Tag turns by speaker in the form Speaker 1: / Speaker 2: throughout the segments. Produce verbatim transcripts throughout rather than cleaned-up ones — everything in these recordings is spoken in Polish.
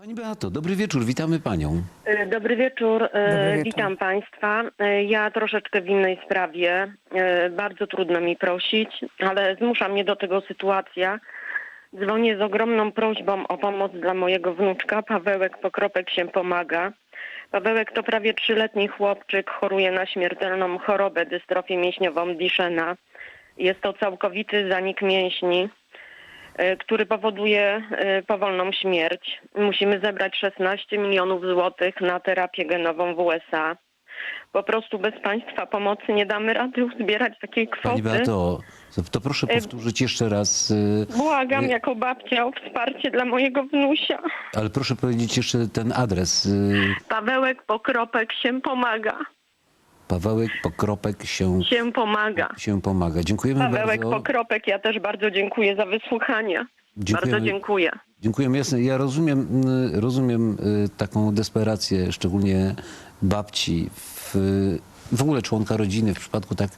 Speaker 1: Pani Beato, dobry wieczór, witamy panią.
Speaker 2: E, Dobry wieczór, e,
Speaker 3: Dobry wieczór.
Speaker 2: witam Państwa. E, Ja troszeczkę w innej sprawie. E, Bardzo trudno mi prosić, ale zmusza mnie do tego sytuacja. Dzwonię z ogromną prośbą o pomoc dla mojego wnuczka. Pawełek Pokropek się pomaga. Pawełek to prawie trzyletni chłopczyk, choruje na śmiertelną chorobę dystrofię mięśniową Duchenne. Jest to całkowity zanik mięśni, e, który powoduje e, powolną śmierć. Musimy zebrać szesnaście milionów złotych na terapię genową w U S A. Po prostu bez Państwa pomocy nie damy rady uzbierać takiej
Speaker 1: Pani
Speaker 2: kwoty.
Speaker 1: Beato, to proszę powtórzyć jeszcze raz, y,
Speaker 2: Błagam jako babcia o wsparcie dla mojego wnusia.
Speaker 1: ale proszę powiedzieć jeszcze ten adres. y,
Speaker 2: Pawełek Pokropek się pomaga.
Speaker 1: Pawełek Pokropek się,
Speaker 2: Się pomaga.
Speaker 1: się pomaga. Dziękujemy
Speaker 2: Pawełek
Speaker 1: bardzo.
Speaker 2: Pokropek, ja też bardzo dziękuję za wysłuchanie.
Speaker 1: Dziękujemy.
Speaker 2: Bardzo dziękuję.
Speaker 1: Dziękujemy, jasne. Ja rozumiem, y, rozumiem y, taką desperację, szczególnie babci, w, w ogóle członka rodziny w przypadku tak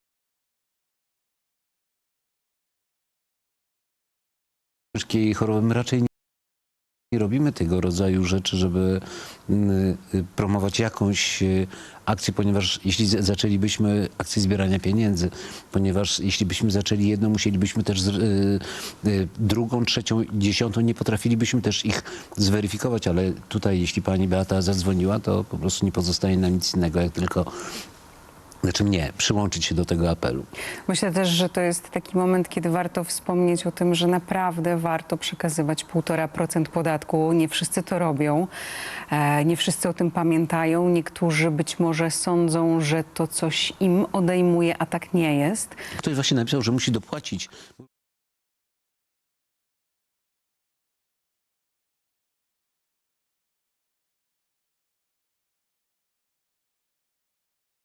Speaker 1: ciężkiej choroby. My raczej nie nie robimy tego rodzaju rzeczy, żeby y, y, promować jakąś y, akcję, ponieważ jeśli z- zaczęlibyśmy akcję zbierania pieniędzy, ponieważ jeśli byśmy zaczęli jedną, musielibyśmy też z, y, y, drugą, trzecią, dziesiątą, nie potrafilibyśmy też ich zweryfikować, ale tutaj jeśli pani Beata zadzwoniła, to po prostu nie pozostaje nam nic innego, jak tylko, znaczy mnie, przyłączyć się do tego apelu.
Speaker 3: Myślę też, że to jest taki moment, kiedy warto wspomnieć o tym, że naprawdę warto przekazywać półtora procent podatku. Nie wszyscy to robią, e, nie wszyscy o tym pamiętają. Niektórzy być może sądzą, że to coś im odejmuje, a tak nie jest.
Speaker 1: Ktoś właśnie napisał, że musi dopłacić.